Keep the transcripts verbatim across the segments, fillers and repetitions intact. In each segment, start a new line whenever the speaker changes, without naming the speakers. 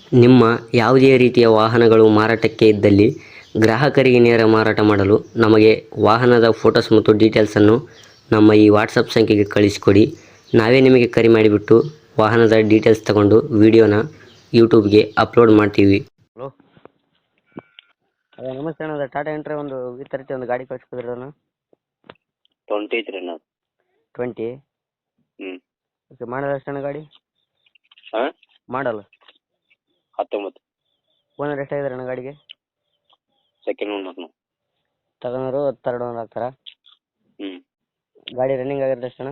ನಿಮ್ಮ ಯಾವುದೇ ರೀತಿಯ ವಾಹನಗಳು ಮಾರಾಟಕ್ಕೆ ಇದ್ದಲ್ಲಿ ಗ್ರಾಹಕರಿಗೆ ನೇರ ಮಾರಾಟ ಮಾಡಲು ನಮಗೆ ವಾಹನದ ಫೋಟೋಸ್ ಮತ್ತು ಡೀಟೇಲ್ಸನ್ನು ನಮ್ಮ ಈ ವಾಟ್ಸಪ್ ಸಂಖ್ಯೆಗೆ ಕಳಿಸಿಕೊಡಿ. ನಾವೇ ನಿಮಗೆ ಕರೆ ಮಾಡಿಬಿಟ್ಟು ವಾಹನದ ಡೀಟೇಲ್ಸ್ ತಗೊಂಡು ವಿಡಿಯೋನ ಯೂಟ್ಯೂಬ್ಗೆ ಅಪ್ಲೋಡ್ ಮಾಡ್ತೀವಿ.
ಹಲೋ, ಅದೇ ನಮಸ್ತೆ ಅಣ್ಣ. ಅದು ಟಾಟಾ ಎಂಟ್ರಿ ಒಂದು ವಿ ತರ್ಟಿ ಒಂದು ಗಾಡಿ ಕಳಿಸ್ಕೊದ್ರಿ ಅಣ್ಣ.
ಟ್ವೆಂಟಿ ಐತ್ರಿ ಅಣ್ಣ.
ಟ್ವೆಂಟಿ
ಹ್ಞೂ
ಓಕೆ. ಮಾಡಲ್ ಎಷ್ಟು ಅಣ್ಣ ಗಾಡಿ?
ಹಾಂ
ಮಾಡಲ್
ಹತ್ತೊಂಬತ್ತು.
ಓನರ್ ಎಷ್ಟಾಗಿದ್ದಾರೆ ಅಣ್ಣ ಗಾಡಿಗೆ?
ಸೆಕೆಂಡ್ ಓನರ್ ನಾವು.
ತಗೊಂಡ್ರು ತರ್ಡ್ ಓನರ್ ಆಗ್ತಾರಾ?
ಹ್ಞೂ
ಗಾಡಿ ರನ್ನಿಂಗ್ ಆಗಿರೋದು ಎಷ್ಟು ಅಣ್ಣ?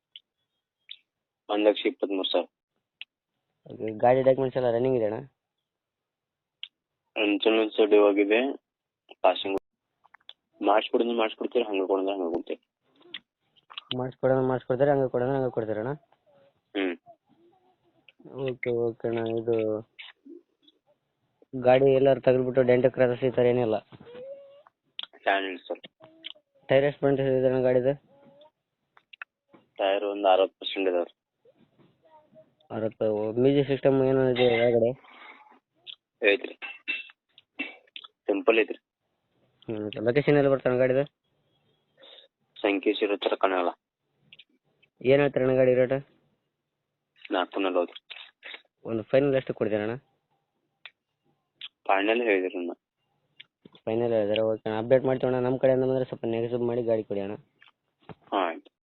ಒಂದು ಲಕ್ಷ ಇಪ್ಪತ್ತ್ಮೂರು ಸಾವಿರ.
ಓಕೆ. ಗಾಡಿ ಡಾಕ್ಯುಮೆಂಟ್ಸ್ ಎಲ್ಲ ರನ್ನಿಂಗ್ ಇದೆ ಅಣ್ಣ?
ಇನ್ಶೂರೆನ್ಸ್ ಡ್ಯೂ ಆಗಿದೆ. ಪಾಸಿಂಗ್ ಮಾಡಿಸ್ಕೊಡಿದ್ರೆ ಮಾಡಿಸ್ಕೊಡ್ತೀರಿ, ಹಂಗೆ ಕೊಡೋದ್ರೆ ಹಂಗೆ ಕೊಡ್ತೀವಿ.
ಮಾಡಿಸ್ಕೊಡೋಣ ಮಾಡಿಸ್ಕೊಡ್ತಾರೆ, ಹಂಗೆ ಕೊಡೋಣ ಹಂಗೆ ಕೊಡ್ತೀರ ಅಣ್ಣ?
ಹ್ಞೂ
ಓಕೆ ಓಕೆ ಅಣ್ಣ. ಇದು ಗಾಡಿ ಎಲ್ಲರೂ ತೆಗೆದ್ಬಿಟ್ಟು ಡೆಂಟ್ ಕ್ರಾಸಸ್ ಈ ಥರ ಏನಿಲ್ಲ?
Fan sir.
ಟೈರ್ ಎಷ್ಟು ಪರ್ಸೆಂಟ್ ಇದೆ ಅಣ್ಣ ಗಾಡಿದು?
ಟೈರ್ ಒಂದು ಅರವತ್ತು ಪರ್ಸೆಂಟ್ ಇದಾವೆ ರೀ.
ಅರವತ್ತು. ಮ್ಯೂಸಿಕ್ ಸಿಸ್ಟಮ್ ಏನೋ ಇದೆ ಒಳಗಡೆ?
ಐತ್ರಿ, ಸಿಂಪಲ್ ಐತ್ರಿ.
ಹ್ಞೂ. ಲೊಕೇಶನ್ ಎಲ್ಲಿ ಬರ್ತಾನೆ ಗಾಡಿದು?
ಸಂಕೇಶ್ ಇರೋ ಥರ ಕಾಣಲ್ಲ.
ಏನು ಹೇಳ್ತಾರೆ ಅಣ್ಣ ಗಾಡಿ ರೇಟ್?
ನಾಲ್ಕು ನಲ್ವತ್ತು.
ಒಂದು ಫೈನಲ್ ಎಷ್ಟು ಕೊಡ್ತೀರ ಅಣ್ಣ?
ಫೈನಲ್ ಹೇಳಿದ್ರಿ ಅಣ್ಣ.
ಫೈನಲ್ ಹೇಳಿದ್ರೆ ಓಕೆ ಅಣ್ಣ. ಅಪ್ಡೇಟ್ ಮಾಡ್ತೀವಿ ಅಣ್ಣ. ನಮ್ಮ ಕಡೆಯಿಂದ ಬಂದರೆ ಸ್ವಲ್ಪ ನೆಗೆಸಿಬ್ ಮಾಡಿ ಗಾಡಿ ಕೊಡಿ ಅಣ್ಣ.
ಹಾಂ ಆಯ್ತು.